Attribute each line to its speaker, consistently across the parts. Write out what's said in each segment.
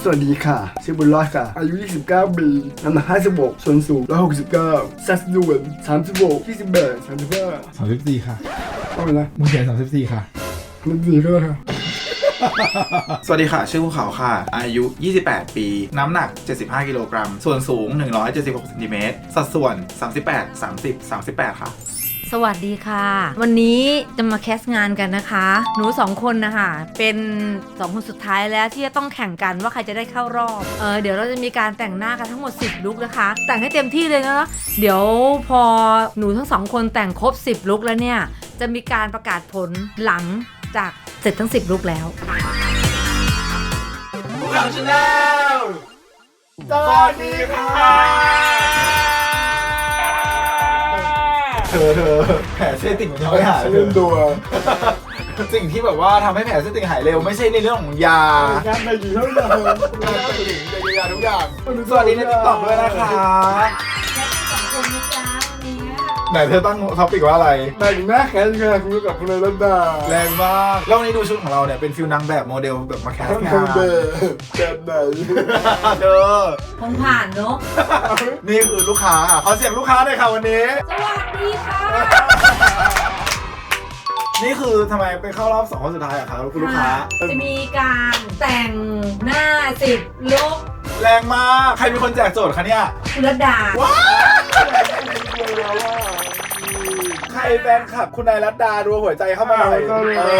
Speaker 1: วัสดีค่ะชื่อบุญรอดค่ะอายุ29 ปีน้ำหนัก56ส่วนสูง169สัดส่วน36 28 35
Speaker 2: 34ค่ะ
Speaker 1: เอาไปนะ
Speaker 2: มึงเขียน34ค่ะ
Speaker 1: มันดีก็ค่ะ
Speaker 3: สวัสดีค่ะชื่อภูเขาค่ะอายุ28 ปีน้ำหนัก75 กิโลกรัมส่วนสูง176 เซนติเมตรสัดส่วน38 30 38ค่ะ
Speaker 4: สวัสดีค่ะวันนี้จะมาแคสงานกันนะคะหนู2คนนะคะเป็น2คนสุดท้ายแล้วที่จะต้องแข่งกันว่าใครจะได้เข้ารอบเดี๋ยวเราจะมีการแต่งหน้ากันทั้งหมด10ลุคนะคะแต่งให้เต็มที่เลยนะเดี๋ยวพอหนูทั้ง2คนแต่งครบ10ลุคแล้วเนี่ยจะมีการประกาศผลหลังจากเสร็จทั้ง10ลุคแล้ว
Speaker 3: ภูเขาชาแนลสวัสดีค่ะเธอแผลเส้นติ่งมันยังไม่หาย
Speaker 1: เล่นตัว
Speaker 3: สิ่งที่แบบว่าทำให้แผลเส้นติ่งหายเร็วไม่ใช่ในเรื่องของยา
Speaker 1: งานในกี่เท่าไหร่
Speaker 3: งานติ่งเป็นยาทุกอย่างสวัสดีในติ๊กต็อกด้วยนะคะไหนเธอตั้งท็อปิกว่าอะไร
Speaker 1: แต่งหน้าแค่งานคุณกับคุณเลยรัตดา
Speaker 3: แรงมากแล้ววันนี้ดูชุดของเราเนี่ยเป็นฟิลนางแบบโมเดลแบบมาแคสงาน
Speaker 1: แบบไหน
Speaker 3: เธอ
Speaker 4: คงผ่านเนาะ
Speaker 3: นี่คือลูกค้าขอเสียงลูกค้าหน่อยค่ะวันนี้
Speaker 4: สวัสดีค่ะ
Speaker 3: นี่คือทำไมไปเข้ารอบ2 คนสุดท้ายอะครับคุณลูกค้า
Speaker 4: จะมีการแต่งหน้า10ลุค
Speaker 3: แรงมากใครเป็นคนแจกโจทย์คะเนี่ย
Speaker 4: คุณรัตดา
Speaker 3: ว้าวใครแฟนคลับคุณนายรัตดาดูหัวใจเข้ามาหน่อย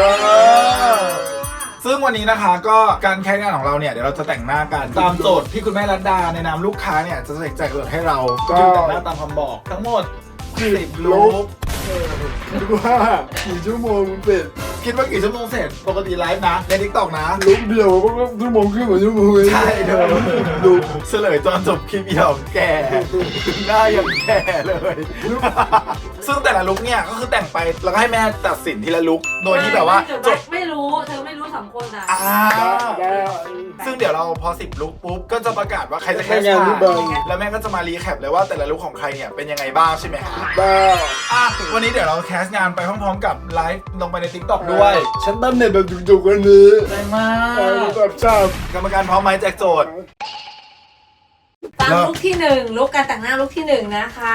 Speaker 3: ซึ่งวันนี้นะคะก็การแข่งงานของเราเนี่ยเดี๋ยวเราจะแต่งหน้ากันตามโจทย์ที่คุณแม่รัตดาในนามลูกค้าเนี่ยจะแจกโจทย์ให้เราก็แต่งหน้าตามคำบอกทั้งหมด10ลุค
Speaker 1: คิดว่ากี่ชั่วโมงเสร็จ
Speaker 3: คิดว่ากี่ชั่วโมงเสร็จปกติไลฟ์นะใน TikTok นะ
Speaker 1: ลุกเดียวก็ชั่วโมงครึ่งกว่าชั่วโมงเลย
Speaker 3: ใช่เธอดูเฉลยตอนจบคลิปเดียวแก่หน้ายังแก่เลย ซึ่งแต่ละลุคเนี่ยก็คือแต่งไปแล้วก็ให้แม่ตัดสินทีละลุคโดยที่แบบว่าจบ
Speaker 4: ไม่รู้เธอไม่รู้2คนอ่ะ
Speaker 3: ซึ่งเดี๋ยวเราพอ10ลุคปุ๊บก็จะประกาศว่าใครจะแคส
Speaker 1: งาน
Speaker 3: ผ่า
Speaker 1: ที่
Speaker 3: น
Speaker 1: บาง
Speaker 3: แล้วแม่ก็จะมารีแคปเลยว่าแต่ละลุคของใครเนี่ยเป็นยังไงบ้างใช่ไหมฮะ
Speaker 1: บ้า
Speaker 3: วันนี้เดี๋ยวเราแคสงานไปพร้อมๆกับไลฟ์ลงไปใน TikTok ด้วย
Speaker 1: ฉันตั้งเน็ตแบบจุกๆวันนี้
Speaker 3: แรงมา
Speaker 1: แบบชอบ
Speaker 3: กรรมการพร้อมไหมแจกโจทย์
Speaker 4: ตามลุคที่1ลุคการแต่งหน้าลุคที่1นะคะ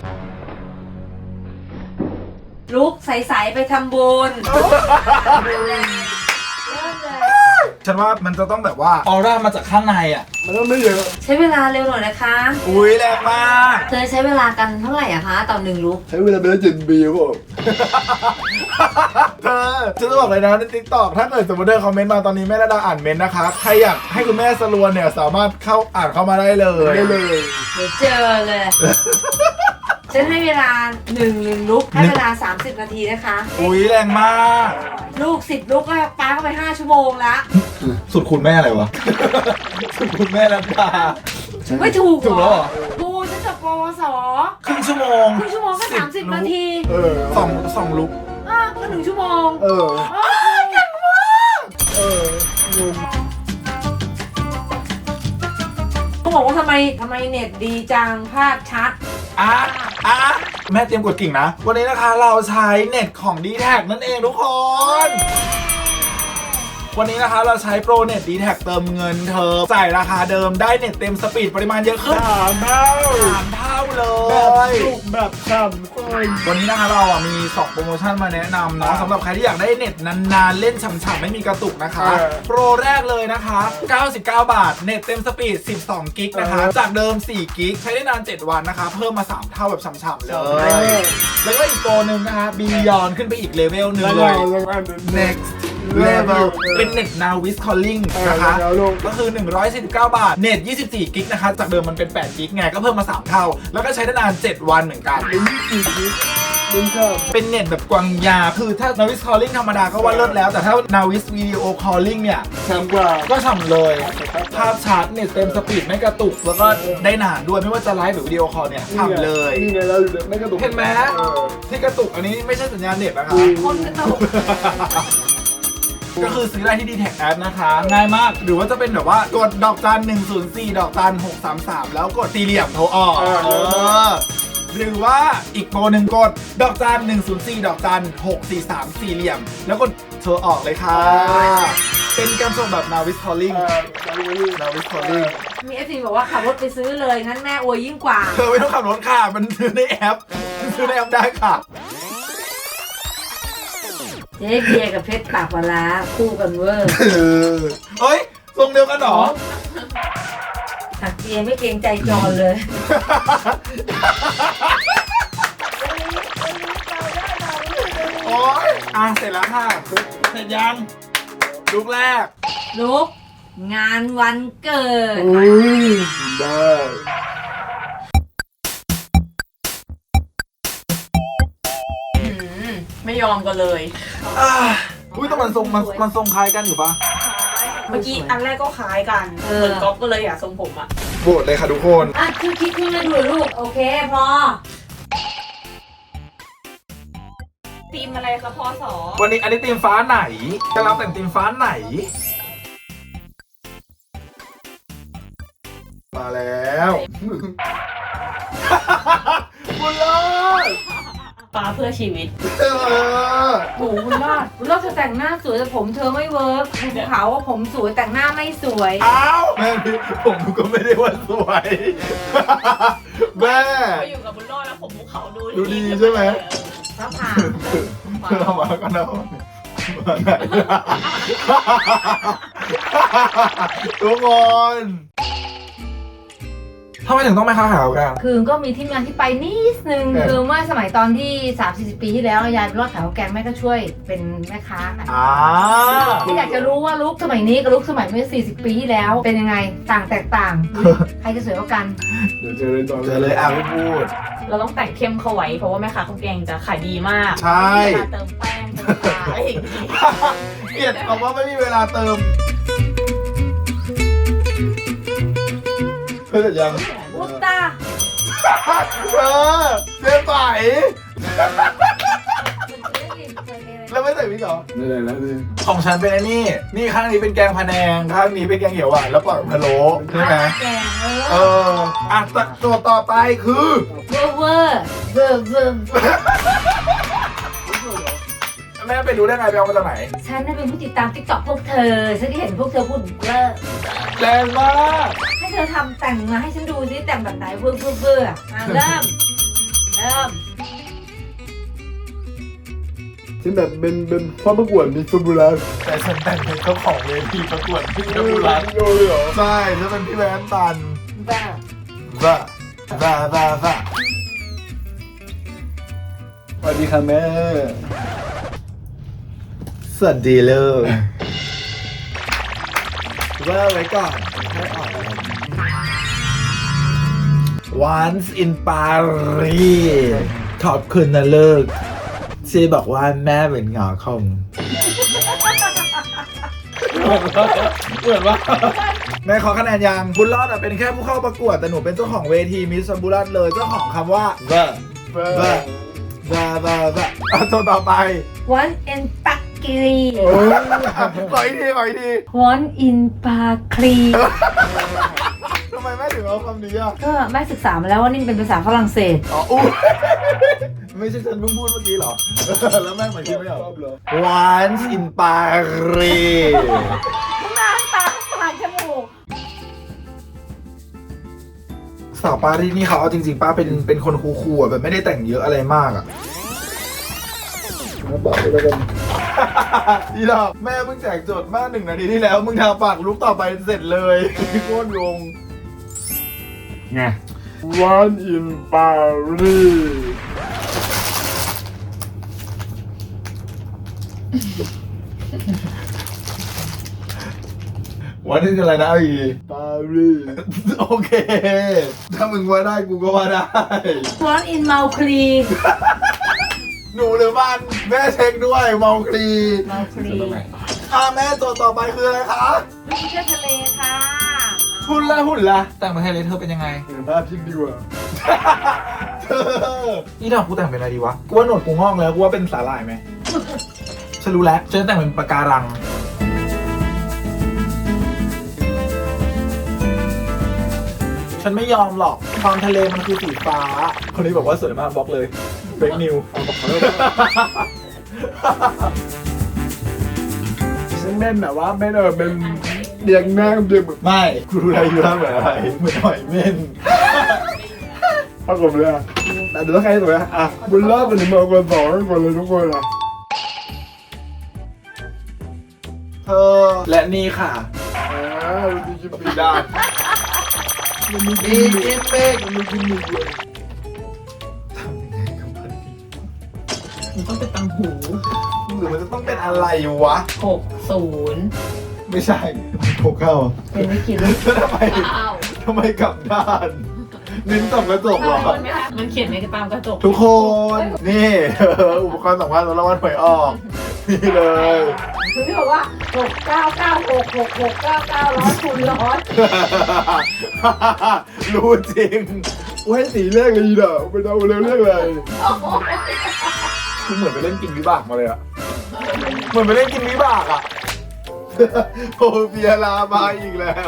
Speaker 4: ลุคใสๆไปทำบุญเริ่มเลย
Speaker 3: ฉันว่ามันจะต้องแบบว่าออร่ามาจากข้างในอ่ะ
Speaker 1: มันต้องไม่เยอะ
Speaker 4: ใช้เวลาเร็วหน่อยนะคะ
Speaker 3: อุ้ยแรงมาก
Speaker 4: เธอใช้เวลากันเท่าไหร่อะคะต่อ1ลุค
Speaker 1: ใช้เวลาไปแล้ว7 ปีครับผม
Speaker 3: เธอจะบอกเลยนะใน TikTok ถ้าเกิดสมมติเธอคอมเมนต์มาตอนนี้แม่ระดาอ่านเมนต์นะคะใครอยากให้คุณแม่สรวนเนี่ยสามารถเข้าอ่านเข้ามาได้เลย
Speaker 1: ได้เลย
Speaker 4: เดี๋ยวเจอเลย ฉันให้เวลา1ลุกให้เวลา30 นาทีนะคะ
Speaker 3: อุ้ยแรงมาก
Speaker 4: ลูก10ลุกก็ปาเข้าไป5 ชั่วโมงละ
Speaker 3: สุดคุณแม่อะไรวะ สุดคุณแม่ระดา
Speaker 4: ไม่ถูก
Speaker 3: ถูกแล้วเหรอ
Speaker 4: กูฉันจบปวส
Speaker 3: ครึ่งชั่วโมง
Speaker 4: ครึ่งชั่วโมงก็30 นาที
Speaker 3: สองลุก
Speaker 4: ก็1 ชั่วโมง
Speaker 3: เก่งมาก
Speaker 4: เขาบอกว่าทำไมเน็ตดีจังภาพชัด
Speaker 3: แม่เตรียมกดกิ่งนะ วันนี้นะคะเราใช้เน็ตของ D-Tag นั่นเองทุกคน วันนี้นะคะเราใช้โปรเน็ต D-Tag เติมเงินเธอจ่ายราคาเดิมได้เน็ตเต็มสปีดปริมาณเยอะขึ้น
Speaker 1: 3 เท่า
Speaker 3: 3 เท่าเล
Speaker 1: แบบ
Speaker 3: ย
Speaker 1: จุกแบบฉ่ำคน
Speaker 3: วันนี้นะคะเรามี2โปรโมชั่นมาแนะนำเนาะสำหรับใครที่อยากได้เน็ตนานๆเล่นฉ่ำๆไม่มีกระตุกนะคะ โปรแรกเลยนะคะ99 บาทเน็ตเต็มสปีด12กิกนะคะจากเดิม4กิกใช้ได้นาน 7 วันนะคะเพิ่มมา3เท่าแบบฉ่ำๆเลย แล้วก็อีกตัวหนึ่งนะคะบียอนขึ้นไปอีกเลเวลหนึ่งเลย next level เป็นเน็ต now with calling นะคะก็คือ149 บาทเน็ต24กิกนะคะจากเดิมมันเป็น8กิกไงก็เพิ่มมา3เท่าแล้วก็ใช้ได้นาน7 วันเหมือนกัน เป็นเน็ตแบบกวางยาคือถ้า Navis Calling ธรรมดาก็ว่าเลิศแล้วแต่ถ้า Navis Video Calling เนี่ย
Speaker 1: ฉ่ำกว่า
Speaker 3: ก็ฉ่ำเลยภาพชัดเน็ตเต็มสปีดไม่กระตุกแล้วก็ได้นานด้วยไม่ว่าจะไลฟ์หรือวิดีโอคอลเนี่ยฉ่ำเลย
Speaker 1: นี่ไงเราอยู่ไม่กระตุก
Speaker 3: เห็นไหมที่กระตุกอันนี้ไม่ใช่สัญญาณเน็ตนะคะ
Speaker 4: คนกระตุก
Speaker 3: ก็คือซื้อได้ที่ D-Tag App นะคะง่ายมากหรือว่าจะเป็นแบบว่ากดดอกจัน104ดอกจัน633แล้วกดสี่เหลี่ยมโทรออกหรือว่าอีกโปรหนึ่งกดดอกจัน104ดอกจัน643สี่เหลี่ยมแล้วกดโทรออกเลยค่ะเป็นการส่งแบบนาวิสทอลลิงนาวิสทอลลิง
Speaker 4: มี FC บอกว่าขับรถไปซื้อเลยงั้นแม่อวยยิ่งกว่า
Speaker 3: เธอไม่ต้องขับรถค่ะมันซื้อในแอปซื้อในแอปได้ค่ะ
Speaker 4: เจ๊เบียร์กับเพชรปากปลาร้าคู่กันเวอร์
Speaker 3: เฮ้ยทรงเดียวกันเหรอ
Speaker 4: ถักเบียร์ไม่เกรงใจจอนเลย
Speaker 3: โอ๊ยเสร็จแล้วค่ะเสร็จยังลุกแรก
Speaker 4: ลุกงานวันเกิด
Speaker 1: อุ้ยได้
Speaker 2: ไม่ยอมกันเลย
Speaker 3: อุ้ยแต่มันทรงมันทรงคล้ายกันอยู่ปะ
Speaker 2: เมื่อกี้อันแรกก็คล้ายกัน
Speaker 4: เออ
Speaker 2: เหมือนก๊อฟก็เลยอยากทรงผมอ่ะ
Speaker 3: โหวตเลยค่ะทุกคน
Speaker 4: อ่ะคือคิดขึ้นมาดูลูก โอเคพอ
Speaker 2: ทีมอะไรคะพอสอ
Speaker 3: วันนี้อันนี้ธีมฟ้าไหนจะรับแต่งธีมฟ้าไหน มาแล้วบุญรอด
Speaker 2: ฟ้าเพื่อชีวิต
Speaker 4: โหคุณรอดคุณรอดเธอแต่งหน้าสวยแต่ผมเธอไม่เวิร์กคุณเขาว่าผมสวยแต่งหน้าไม่สวย
Speaker 3: อ้าวแม่พี่ผมก็ไม่ได้ว่าสวยแม่
Speaker 2: ไปอยู่กับบุญรอดแล้วผมภูเขาดู
Speaker 3: ดูดีใช่ไหม
Speaker 4: พระผ่า
Speaker 3: เอามาก็นะมาไหนทุกคนทำไมถึงต้องไม่ค้าขาวกัน
Speaker 4: คือก็มีที่มาที่ไปนิดนึง คือเมื่อสมัยตอนที่ 30-40 ปีที่แล้วยายไปรอดขายข้าวแกงแม่ก็ช่วยเป็นแม่ค้ากันที่อยากจะรู้ว่าลุคสมัยนี้กับลุคสมัยเมื่อ 40 ปีที่แล้วเป็นยังไงต่างแตกต่าง ใครจะสวยกว่ากัน
Speaker 1: เดี๋ยวเจอเลยตอน
Speaker 3: เจอเลยไม่พูด
Speaker 2: เราต้องแต่งเข้มเข้าไว้เพราะว่าแม่ค้าข้าวแกงจะขายดีมาก
Speaker 3: ใช่
Speaker 2: เวลาเติมแป้งเติมปลาอะไรอย่างงี้
Speaker 3: เกลียดคำว่าไม่มีเวลาเติมเพื่อยัง
Speaker 4: อุตตา
Speaker 3: เจ๊ไปแล้วไม่ใส่พริกเหรอ
Speaker 1: นี่แหละแล้วนี่
Speaker 3: ของฉันเป็นไอ้นี่ข้างนี้เป็นแกงพะแนงข้างนี้เป็นแกงเขียวหวานแล้วปล่อยพะโล้ใช่ไหม
Speaker 4: แกง
Speaker 3: ตัวต่อไปคือ
Speaker 4: เวอร์เวอร์เวอร์เวอร์
Speaker 3: แม่ไปรู้ได้ไงไปเอามาจากไหน
Speaker 4: ฉันน่ะเป็นผู้ติดตามติ๊กต็อกพวกเธอ ฉันที่เห็นพวกเธอพูดเวอร์
Speaker 3: แรงมาก
Speaker 4: ให้เธอทำแต่งมาให้ฉันดูสิแต่งแบบไหนเวอร์เวอร์เวอร์อ่ะเริ่ม
Speaker 1: ฉันแบบเป็นพ่อประกวดมีสมุนไพร
Speaker 3: แต่ฉันแต่งเป็นเจ้าของเวทีประกวดที่นบุรี
Speaker 1: โดนเลยเหรอ
Speaker 3: ใช่ฉันเป็นพี่แบนตัน
Speaker 4: บ้า
Speaker 3: บ้า
Speaker 1: สวัสดีค่ะแม่
Speaker 3: สวัสดีเลยว่าไว้ก่อนให้อ่อน Once in Paris ขอบคุณนะเลิกซีบอกว่าแม่เป็นหงอคงเหมือนว่าแม่ขอคะแนนยังบุญรอดอะเป็นแค่ผู้เข้าประกวดแต่หนูเป็นเจ้าของเวทีมิสบุญรอดเลยเจ้าของคำว่าเบอร์ตัวต่อไป
Speaker 4: วันเอ็นปักกรี
Speaker 3: ขออีกที
Speaker 4: วันอินปาคลี
Speaker 3: ทำไมแม่ถึงเอาคำนี้อ่ะ
Speaker 4: ก็แม่ศึกษามาแล้วว่านี่เป็นภาษาฝรั่งเศส
Speaker 3: อ๋ออู้ไม่ใช่ฉันเพิ่งพูดเมื่อกี้เหรอ แล้วแม่เหมือนคิดไม่ออก Once in Paris
Speaker 4: หน้าตาปากจมูก
Speaker 3: สาวปารีสนี่เขาเอาจริงๆป้าเป็นคนคูลๆอ่ะแบบไม่ได้แต่งเยอะอะไรมากอ่ะ
Speaker 1: มาบอกเลยแล้วกัน
Speaker 3: อีดอกแม่เพิ่งแจกโจทย์มา1 นาทีที่แล้ว มึงทำปากลุกต่อไปเสร็จเลยโคตรงง
Speaker 1: ไง One in Paris
Speaker 3: วันนี้คืออะไรนะอี
Speaker 1: ปารีส
Speaker 3: โอเค ถ้ามึงว่าได้กูก็ว่าได้
Speaker 4: วันอินเมาคลี
Speaker 3: หนูหรือมันแม่เช็คด้วยเมาคลี
Speaker 4: เมาคลี
Speaker 3: แม่โจทย์ต่อไปคืออะไรคะ
Speaker 4: ลูกเชือกทะเลค่ะ
Speaker 3: หุ่นละแต่งประเทศเลยเธอเป็นยังไง
Speaker 1: เห็นภาพพิกดีกว่า
Speaker 3: เธอนี่ดอกกูแต่งเป็นอะไรดีวะกูว่าหนวดกูงอกแล้วกูว่าเป็นสาหร่ายไหม ฉันรู้แล้วฉันจะแต่งเป็นปะการัง ฉันไม่ยอมหรอกความทะเลมันคือสีฟ้า คนนี้บอกว่าสวยมากบล็อกเลยเฟกนิว
Speaker 1: ฉันแม่นแบบว่าแม่นเป็นเรียงหน้าเดียวแบบ
Speaker 3: ไม่กูรู้อะไรอยู่แล้วเหมือนอะไรเหมือนหอยเม่น
Speaker 1: ปรากฏเลยอ่ะแต่เดี๋ยวต้องใครตัวอ่ะบุญรอดเป็นหนึ่งมาคนสองคนเลยทุกคนอ่ะ
Speaker 3: เธอและนี่ค่ะ
Speaker 1: มันมีกิน
Speaker 3: ปีด้าน
Speaker 1: มันมีกินเมฆมันมีกินหมึกเลย
Speaker 3: ทำยังไงกับมันดี
Speaker 2: มันต้องเป็นตังหู
Speaker 3: หรือมันจะต้องเป็นอะไรวะ
Speaker 2: 60
Speaker 3: ไม่ใช่โถเข้า
Speaker 2: เป็นไม่คิดเลย
Speaker 3: แล้วทำไมกลับด้านเน้นส่องกระจกเหรอ
Speaker 2: มันเขียนในตามกระจก
Speaker 3: ทุกคน นี่ อุปกรณ์สำคัญสำหรับวันหวยออก นี่เลย
Speaker 2: คือที่บอกว่า69966699คูณร้อย
Speaker 3: รู้จริง
Speaker 1: โอ้ยสีเลขเลยอีดอกไปเอาเร็วเลขเลย
Speaker 3: คือเหมือนไปเล่นกินวิบากมาเลยอะเหมือนไปเล่นกินวิบากอะโซเฟียลามาอีกแล้ว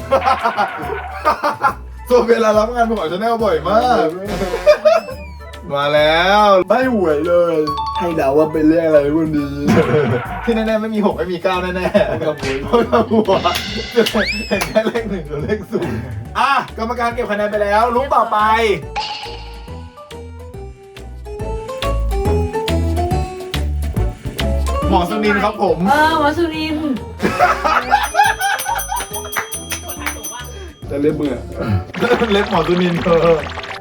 Speaker 3: โซเฟียลารับงานประกอบชาแนลบ่อยมาก มาแล้ว
Speaker 1: ไม่หวยเลย ให้เดาว่าเป็นเลขอะไรวันนี้
Speaker 3: ที่แน่ๆไม่มี6ไม่มี9แน่ๆกับหัวเพราะเราหัวเห็นแค่เลข1กับเลข0อ่ะกรรมการเก็บคะแนนไปแล้วลุ้นต่อไป หมอสุนินครับผม
Speaker 2: หมอสุนิน
Speaker 1: แต่เล็บมึงอ่ะ
Speaker 3: เล็บหมอสุนินเธอ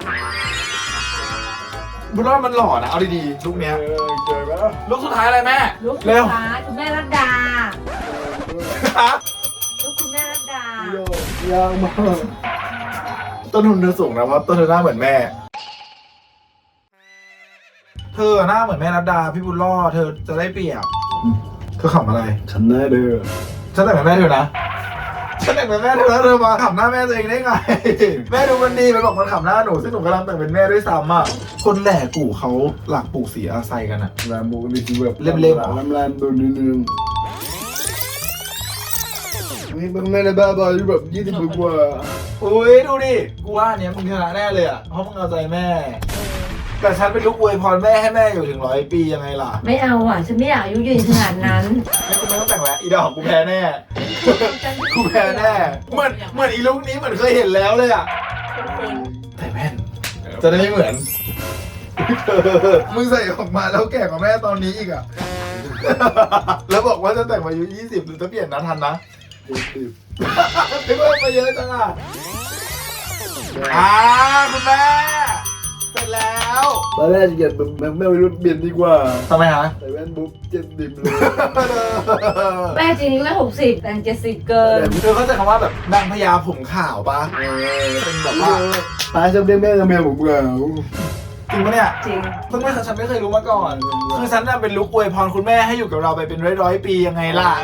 Speaker 3: บุญรอดมันหล่อนะ เอาดีๆลูกเนี้ย
Speaker 1: เจอแล้ว
Speaker 3: ลูกสุดท้ายอะไรแม่
Speaker 2: ลูกสุด
Speaker 3: เร็ว
Speaker 2: ท้ายคุณแม่รัตดา
Speaker 3: ฮะ
Speaker 2: ลูกคุณแม่รัตดา
Speaker 1: ยากมาก
Speaker 3: ต้นทุนเธอสูงนะเพราะต้นเธอหน้าเหมือนแม่ เธอหน้าเหมือนแม่รัตดาพี่บุญรอดเธอจะได้เปรียบเธอขำอะไร
Speaker 1: ฉันได้เด้อ
Speaker 3: ฉันแต่งเป็นแม่เธอนะฉันแต่งเป็นแม่เธอแล้วเธอมาขำหน้าแม่ตัวเองได้ไง แม่ดูมันดีมันบอกมันขำหน้าหนูซึ่งหนูกำลังแต่งเป็นแม่ด้วยซ้ำอ่ะคนแหล่กู่เขาหลักปลูกสีอาไซกันอ่ะ
Speaker 1: ลามโบนี่คือแบบ
Speaker 3: เล่มๆเหรอ
Speaker 1: ลามๆตัวนิดนึงนี่เป็นแม่ในบ้าบอยแบบ20 กว่า
Speaker 3: อุ้ยดูดิกูว่าอันเนี้ยมึงชนะแน่เลยอ่ะเพราะมึงเอาใจแม่ แต่ฉันเป็นลูกอวยพรแม่ให้แม่อยู่ถึง100 ปียังไงล่ะ
Speaker 2: ไม่เอาอ่ะ ฉันไม่อยากอายุยืนขนาดนั้น
Speaker 3: ไม่กูไม่ต้องแต่งแล้วอีดอกกูแพ้แน่กูแพ้แน่เหมือนอีลูกนี้เหมือนเคยเห็นแล้วเลยอ่ะแต่แม่นจะได้ไม่เหมือนมึงใส่ออกมาแล้วแก่กว่าแม่ตอนนี้อีกอ่ะ แล้วบอกว่าจะแต่งมาอายุ20หรือจะเปลี่ยนนะทันนะ
Speaker 1: 70
Speaker 3: ไม่เพิ่มมาเยอะจังอ่ะคุณแม่เสร็จแล้ว
Speaker 1: ตอนแรกจะเกลียดแบบแม่ไม่รู้เปลี่ยนดีกว่า
Speaker 3: ทำไมฮะ
Speaker 1: ใส่แว่นบุ๊บ70เลย
Speaker 2: แม่จริงๆแม่60 แต่ง70 เกิน
Speaker 3: เธอเข้าใจคำว่าแบบนางพญาผมขาวปะเป็นแบบว่า
Speaker 1: ตายชอบเรียกแม่กับแม่ผมเหงา
Speaker 3: จริงปะเนี่ย
Speaker 2: จริง
Speaker 3: เพิ่งไม่ฉันไม่เคยรู้มาก่อน คือฉันน่ะเป็นลูกอวยพรคุณแม่ให้อยู่กับเราไปเป็นร้อยๆปียังไงล่ะ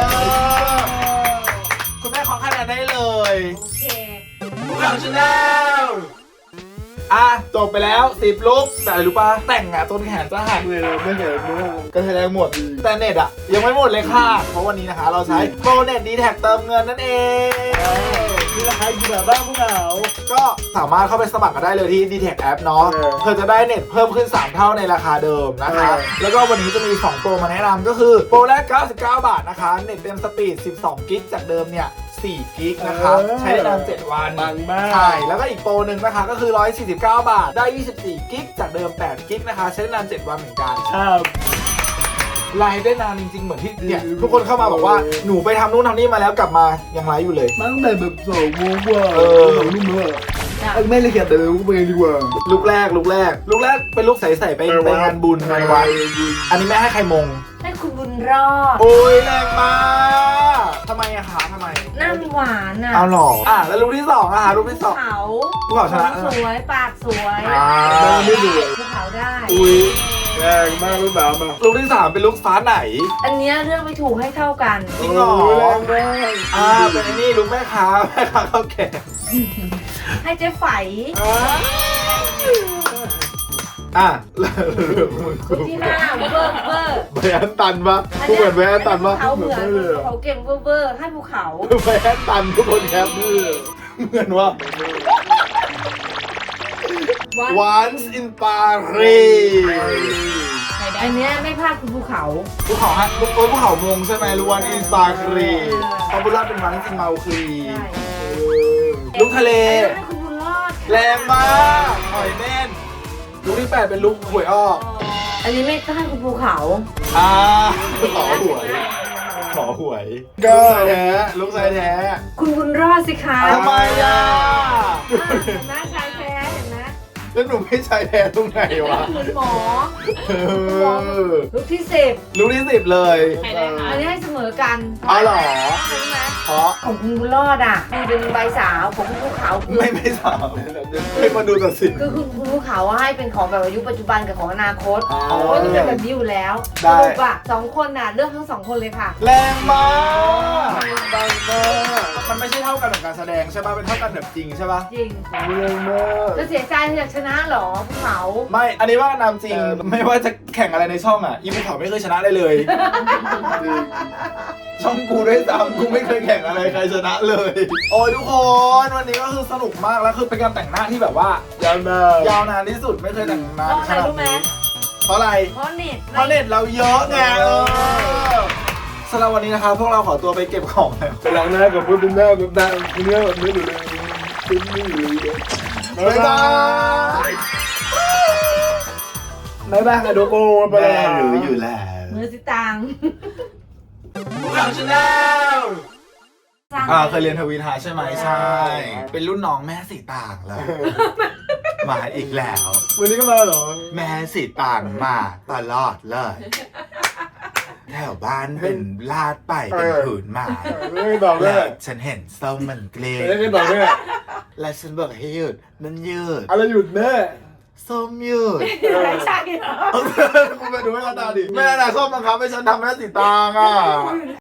Speaker 3: คุณแม่ขอคะแนนได้เลย
Speaker 2: โอเค
Speaker 3: พวกเราชาแนลอ่ะจบไปแล้ว10 ลุกแต่อะไรรู้ปะแต่งอ่ะต้นแขนจะหัก
Speaker 1: เลยไม่เห็นมาก
Speaker 3: ก็แสดงหมด แต่เน็ตอ่ะยังไม่หมดเลยค่ะ เพราะวันนี้นะคะเราใช้โปรเน็ตดีแท็กเติมเงินนั่นเอง
Speaker 1: นี่ราคากี่บาทบ้างพวกเรา
Speaker 3: ก็สามารถเข้าไปสมัครกันได้เลยที่ d t แท็ App เนาะ เธอจะได้เน็ตเพิ่มขึ้น 3 เท่าในราคาเดิมนะคะ แล้วก็วันนี้จะมี 2 โปรมาแนะนำก็คือ โปรแรก 99 บาทนะคะ เน็ตเต็มสปีด 12 กิกจากเดิมเนี่ย 4 กิกนะคะ ใช้ได้นาน 7 วัน
Speaker 1: ปังมาก
Speaker 3: ใช่ แล้วก็อีกโปรหนึ่งนะคะก็คือ 149 บาท ได้ 24 กิกจากเดิม 8 กิกนะคะ ใช้ได้นาน 7 วันเหมือนกัน
Speaker 1: ครับ
Speaker 3: ไลฟ์ได้นานจริงๆ เหมือนที่เนี่ยทุกคนเข้ามาบอกว่าหนูไปทำนู่นทำนี่มาแล้วกลับมายังไลฟ์อยู่เลย
Speaker 1: ตั้งแต่แบบ2 โมงกว่า 2 ทุ่มแล้วไม่เลยเขียนแต่เลยกูไปดีกว่า
Speaker 3: ลูกแรกเป็นลูกใส่ไปงานบุญงานวัดอันนี้แม่ให้ใครมง
Speaker 2: ให้คุณบุญรอด
Speaker 3: โอ้ยแรงมากทำไมอะคะทำไม
Speaker 2: หน้าหวานอ่ะ
Speaker 3: เอาหรอแล้วลูกที่2อะคะลูกที่2
Speaker 2: เขา
Speaker 3: ภูเขาชนะ
Speaker 2: สวย ปากสวย
Speaker 1: ไม่ดู
Speaker 2: ภูเขาได้
Speaker 3: อุ้ย
Speaker 1: แรงมากลูกสาวมา
Speaker 3: ลูกที่3เป็นลูกฟ้าไหน
Speaker 2: อันเนี้ยเรื่องไม่ถูกให้เท่ากัน
Speaker 3: จริงเหรอ
Speaker 1: แรงมาก
Speaker 3: เป็นไอ้นี่ลูกแม่ค้าข้าวแก่
Speaker 2: ให้เจ๊ไฝ
Speaker 3: แล้วมึง
Speaker 2: ลูกที่5เวอร์
Speaker 3: แบนตันปะกูเหมือนแบนตันปะ
Speaker 2: เขาเหมือนเขาเก่งเวอร์ให้ภูเขา
Speaker 3: แบนตันทุกคนครับเหมือนว่า Once in Paris
Speaker 2: ไข่แด
Speaker 4: อันเนี้ยไม่พลาดคุณภูเขา
Speaker 3: ภูเขาฮะภูเขามงใช่ไหมล้วนอินสตาครีเขาบุญรอดเป็นวันจริงเมาครี
Speaker 4: ใช่
Speaker 3: ลุกทะเล
Speaker 4: อันนี้คุณบุญรอด
Speaker 3: แรงมากหอยเม่นลุกที่ 8 เป็นลุกหวยออก
Speaker 4: อันนี้ไม่พลาดคุณภูเขา
Speaker 3: อ่าขอหวยก็แท้ลุกชายแท้
Speaker 4: คุณบุญรอดสิคะ
Speaker 3: ทำไมอ่ะ
Speaker 4: เห็นไหมชายแท้เห็นไหม
Speaker 3: แล้วหนูไม่ชายแท้ตรงไหนวะ
Speaker 4: คุณหมอ
Speaker 3: เออ
Speaker 4: ลูกที่
Speaker 3: ลุกที่ 10 เลย
Speaker 2: ใครได้คะ
Speaker 4: 10อันนี้ให้เสมอกัน
Speaker 3: อ๋อเหรอ
Speaker 4: ใช่ไหม
Speaker 3: เพราะ
Speaker 4: ของคุณบุญรอดอ่ะคือเป็นใบสาวของคุณภูเขาคือ
Speaker 3: ไม่สาวให้มาดูตัดสิน
Speaker 4: คือคุณภูเขาให้เป็นของแบบอายุปัจจุบันกับของอนาคต
Speaker 3: อ๋อ
Speaker 4: เพราะว่าต้องเป็นแบบนี้อยู่แล้วส
Speaker 3: ได้
Speaker 4: รุปอ่ะ2 คนน่ะเลือกทั้ง 2 คนเลยค่ะ
Speaker 3: แรงมากดังมากมันไม่ใช่เท่ากันของการแสดงใช่ป่ะเป็นเท่ากันแบบจริงใช่ป่ะ
Speaker 4: จริง
Speaker 3: แรงมาก
Speaker 4: จะเสียใจที่อยากชนะเหรอภูเขา
Speaker 3: ไม่ อันนี้ว่านามจริง ไม่ว่าจะแข่งอะไรในช่องอ่ะ อีภูเขาไม่เคยชนะได้เลย ช่องกูด้วยซ้ำกูไม่เคยแข่งอะไรใครชนะเลย โอ้ยทุกคน วันนี้ก็คือสนุกมากแล้วคือเป็นการแต่งหน้าที่แบบว่าย
Speaker 1: าวนาน
Speaker 3: ยาวนานที่สุดไม่เคยแต่งนาน
Speaker 4: เพราะอะไรรู้ไหม
Speaker 3: เพราะอะไร
Speaker 4: เพราะเน็ต
Speaker 3: เพราะเน็ตเราเยอะไงสำหรับวันนี้นะครับพวกเราขอตัวไปเก็บของแล้ว
Speaker 1: ไปล้างหน้ากับเพื่อนเป็นหน้าแบบดังเป็นเนื้อแบบนี้อยู่เลยเป็นนี่อยู่เลย
Speaker 3: บ๊ายบาย
Speaker 1: บ๊ายบายค่ะโดโกไป
Speaker 3: แม่
Speaker 1: แล้ว
Speaker 3: รู้อยู่แล้ว
Speaker 4: มือสิตัง
Speaker 3: พวกเราชาแนลเคยเรียนทวีทาใช่ไหมใช่ เป็นรุ่นน้องแม่สีต่างเลย มาอีกแล้ว
Speaker 1: วันนี้ก็มาเหรอ
Speaker 3: แม่สีต่างมาตลอดเลย แถวบ้านเป็นลาดไปเป็นผืนไม้
Speaker 1: ไม่บอกเล
Speaker 3: แล้
Speaker 1: ยว
Speaker 3: ฉันเห็นส้มมันเกลีย
Speaker 1: ไม่บอกเลย
Speaker 3: และฉันบอกให้หยุดมันหยุด
Speaker 1: อะไรหยุดแม่
Speaker 3: ส้มหยุด
Speaker 4: ไม่ใช่เหรอ
Speaker 3: คุณไปดูแม่ตาดิแม่น่ะส้มบังคับให้ฉันทำแม่สีตางอ่ะ